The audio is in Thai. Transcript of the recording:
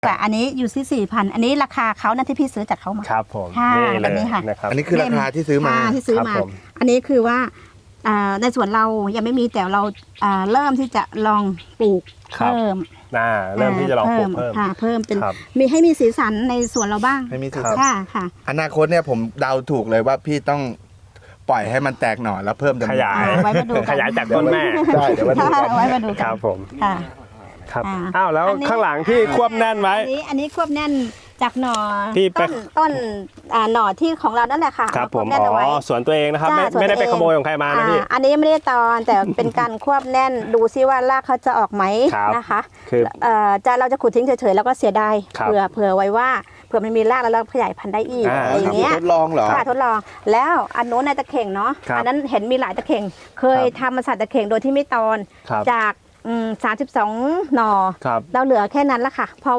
แต่อันนี้อยู่ที่4,000อันนี้ราคาเขานั่นที่พี่ซื้อจากเขามาครับผมค่ะนี่เลแบบยนี้ค่ะนะครับอันนี้คือราคาที่ซื้อมาที่ซื้อครับมาผมอันนี้คือว่าในสวนเรายังไม่มีแต่เราเริ่มที่จะลองปลูกครับเพิ่มเริ่มที่จะลองปลูกเพิ่มค่ะเพิ่มเป็นครับมีให้มีสีสันในสวนเราบ้างให้มีสีครับค่ะค่ะอนาคตเนี่ยผมเดาถูกเลยว่าพี่ต้องปล่อยให้มันแตกหน่อแล้วเพิ่มจำนวนขยายไว้มาดูกันขยายจากต้นแม่ได้เดี๋ยวมาดูกันไว้มาดูคกัรันบผมค่ะครับอ่าอ้าวแล้วอันนี้ข้างหลังที่ควบแน่นไว้อันนี้ควบแน่นจากหน่อที่ไปต้นหน่อที่ของเรานั่นแหละค่ะครับเาผควมบแน่นเอาไว้สวนตัวเองนะครับจ้าไม่ได้สวนตัวไปเองขโมยของใครมานะพี่อันนี้ไม่ได้ตอนแต่เป็นการควบแน่นดูซิว่ารากเขาจะออกไหมครับนะคะคือเราจะขุดทิ้งเฉยๆแล้วก็เสียดายครับเผื่อไว้ว่าเผื่อมันมีรากแล้วเราขยายพันธุ์ได้อีก อะไรอย่างเงี้ยทดลองเหรอค่ะทดลองแล้วอันโน้นในตะเข่งเนาะครับอันนั้นเห็นมีหลายตะเข่งเคยครับทำมาสัตว์ตะเข่งโดยที่ไม่ตอนครับจาก32 หน่อครับเราเหลือแค่นั้นละค่ะเพราะ